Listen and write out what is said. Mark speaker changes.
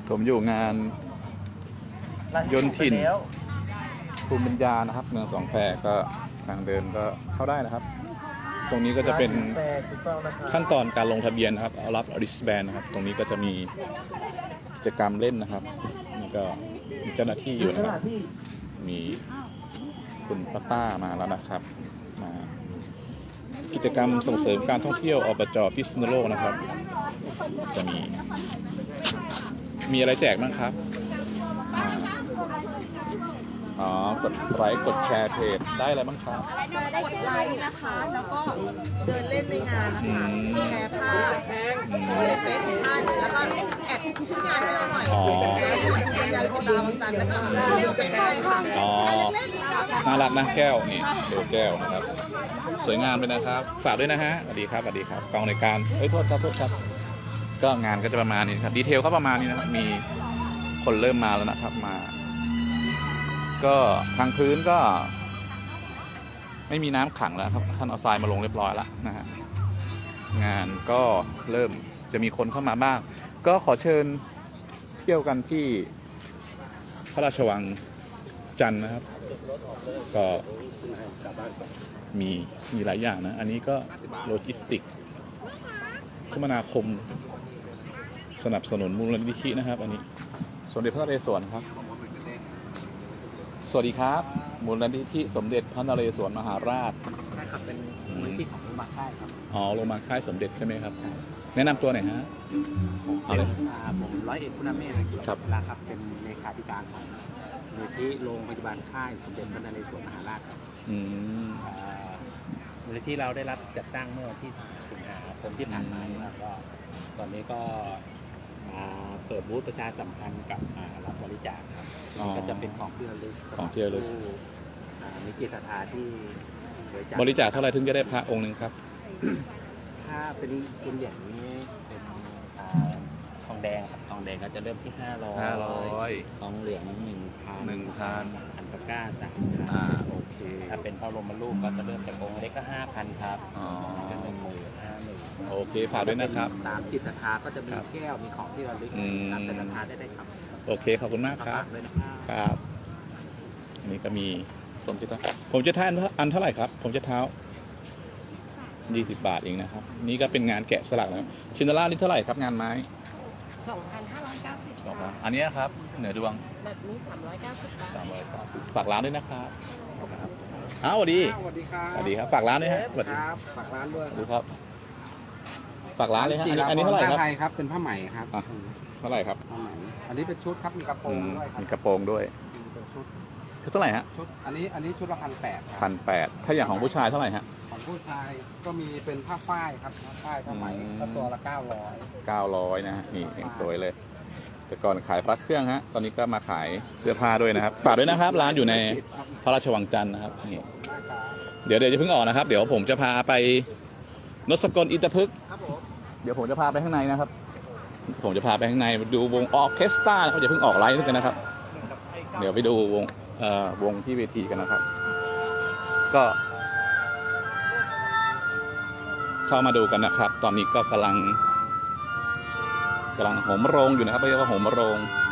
Speaker 1: ผมอยู่งานยนต์ถิ่นภูมิปัญญานะครับเมืองสองแควก็ทางเดินก็เข้าได้นะครับ ตรงนี้ก็จะเป็นขั้นตอนการลงทะเบียนนะครับเอารับริสแบนนะครับตรงนี้ก็จะมีกิจกรรมเล่นนะครับนี่ก็มีเจ้าหน้าที่อยู่นะครับมีคุณป้ามาแล้วนะครับมากิจกรรมส่งเสริมการท่องเที่ยวอบจ.พิษณุโลกนะครับจะมีอะไรแจกบ้างครับกดไลค์กดแชร์เพจได้อะไรบ้างครับ
Speaker 2: ได้กดไลค์นะคะแล้วก็เดินเล่นในงานนะคะแชร์ภาพในเฟซของท่านแล้วก็แอดชื่องานให้เราหน่อยปัญญาวิจิตราวังจันทร์แล้วก็แก้วเป็นให้ค่ะเล่นๆ
Speaker 1: น่ารักนะแก้วนี่ดูแก้วนะครับสวยงามเลยนะครับฝากด้วยนะฮะสวัสดีครับสวัสดีครับกองในการโทษครับก็งานก็จะประมาณนี้ครับดีเทลก็ประมาณนี้นะครับมีคนเริ่มมาแล้วนะครับมาก็ทางพื้นก็ไม่มีน้ำขังแล้วครับท่านเอาทรายมาลงเรียบร้อยแล้วนะฮะงานก็เริ่มจะมีคนเข้ามาบ้างก็ขอเชิญเที่ยวกันที่พระราชวังจันทร์นะครับก็มีหลายอย่างนะอันนี้ก็โลจิสติกคมนาคมสนับสนุนมูลนิธินะครับอันนี้สมเด็จพระนเรศวรครับสวัสดีครับมูลนิธิสมเด็จพระนเรศวรมหาราช
Speaker 3: ใช่ครับเป็นมูลนิธิของโรงพยาบาลค่ายครับ
Speaker 1: โรงพยาบาลค่ายสมเด็จใช่ไหมครับแนะนำตัวหน่อยฮะ
Speaker 3: ผมร้อยเอกคุณาเมธนะครับเป็นเลขาธิการของมูลนิธิโรงพยาบาลค่ายสมเด็จพระนเรศวรมหาราชครับมูลนิธิเราได้รับจัดตั้งเมื่อวันที่สิงหาคมที่ผ่านมาแล้วก็ตอนนี้ก็เปิดบูธประชาสัมพันธ์กับรับบริจาคครับก็จะเป็นของที่ระลึกมีจิตศรัทธาที่
Speaker 1: บริจาคเท่าไหร่ถึงจะได้พระองค์หนึ่งครับ
Speaker 3: ถ้าเป็นเหรียญนี้เป็นทองแดงครับทองแดงก็จะเริ่มที่500ทองเหลือง1,000อันตะก้า3,000
Speaker 1: โอเค
Speaker 3: ถ้าเป็นพระบรมรูปก็จะเริ่มจากองค์เล็กก็5,000ครับเป็น50,000
Speaker 1: โอเคฝากด้วยนะครับ
Speaker 3: ตามจิตศรัทธาก็จะมีแก้วมีของที่ระลึกตามจิตศรัทธาได้ครับ
Speaker 1: โอเคขอบคุณมากครับครับอันนี้ก็มีผมจะท้าอันเท่าไหร่ครับผมจะเท้า20 บาทเองนะครับนี่ก็เป็นงานแกะสลักนะชินดาล่านี่เท่าไหร่ครับงานไม้
Speaker 2: 2,590
Speaker 1: อันนี้ครับเหนือดวง
Speaker 2: แบบนี้390 บาท
Speaker 1: ฝากร้านด้วยนะครับสวัสดีครับสวัสดีครับฝากร้านด้วยฮะสวัสดีครับ
Speaker 3: ฝากร้านด้วย
Speaker 1: ดูครับฝากร้านเลยฮะอันนี้เท่าไหร่
Speaker 3: ครับเป็นผ้าไหมครับ
Speaker 1: เท่าไหร่ครับ
Speaker 3: อันนี้เป็นชุดครับมีกระโปรงด้วย
Speaker 1: มีกระโปรงด้วยชุดเท่าไหร่ฮะ
Speaker 3: ชุดอันนี้ชุดละ
Speaker 1: 1,800ถ้าอย่างของผู้ชายเท่าไหร่ฮะ
Speaker 3: ของผู้ชายก็มีเป็นผ้าฝ้ายครับผ้าฝ้ายผ้าไหมก็ตัวละ
Speaker 1: 900นะฮะนี่ยังสวยเลยแต่ก่อนขายพระเครื่องฮะตอนนี้ก็มาขายเสื้อผ้าด้วยนะครับฝากด้วยนะครับร้านอยู่ในพระราชวังจันทร์นะครับนี่เดี๋ยวจะเพิ่งออกนะครับเดี๋ยวผมจะพาไปนสกลอินทพฤกษ์เดี๋ยวผมจะพาไปข้างในนะครับผมจะพาไปข้างในดูวงออร์เคสตราเขาจะเพิ่งออกไลฟ์กันนะครับเดี๋ยวไปดูวงที่เวทีกันนะครับก็เข้ามาดูกันนะครับตอนนี้ก็กำลังโหมโรงอยู่นะครับเรียกว่าโหมโรง